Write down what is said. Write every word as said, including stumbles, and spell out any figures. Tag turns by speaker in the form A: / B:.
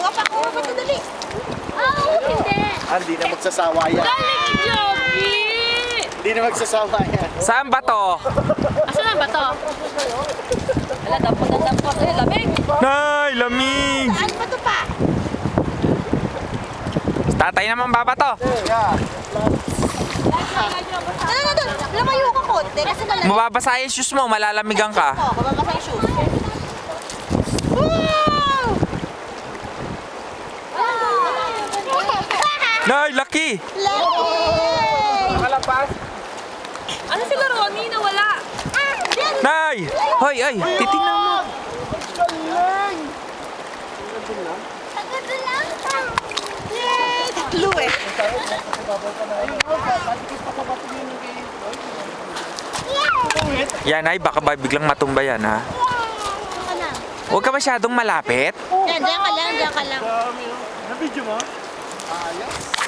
A: Wapa ko, wapa ko dali.
B: Oo, hindi.
C: Ah, hindi na magsasawa yan.
B: Galing ni Joby!
C: Hindi na magsasawa yan.
D: Saan ba to?
B: Asan na ba to? Wala, dampot na dampot. Ay, lamig!
D: Nay, lamig!
A: Saan ba to pa?
D: Tatay naman ba ba to?
C: Yeah.
A: Ano na doon? Lumayo ka konti kasi malamig.
D: Mababasa yung shoes mo, malalamigan ka.
A: Oo, mababasa yung shoes. Wow!
D: Nay, laki!
C: Nakalapas.
B: Ano sila Ronnie? Nawala?
D: Nay! Hoy, ay, titingnan mo.
C: Galing!
A: Agad lang. Yay! Tatlo eh.
D: Yan ay, baka ba biglang matumba yan ha. Huwag ka masyadong malapit.
A: Yan, diyan ka lang, diyan ka lang.
C: Dami, oh. Na-video mo? Ayos.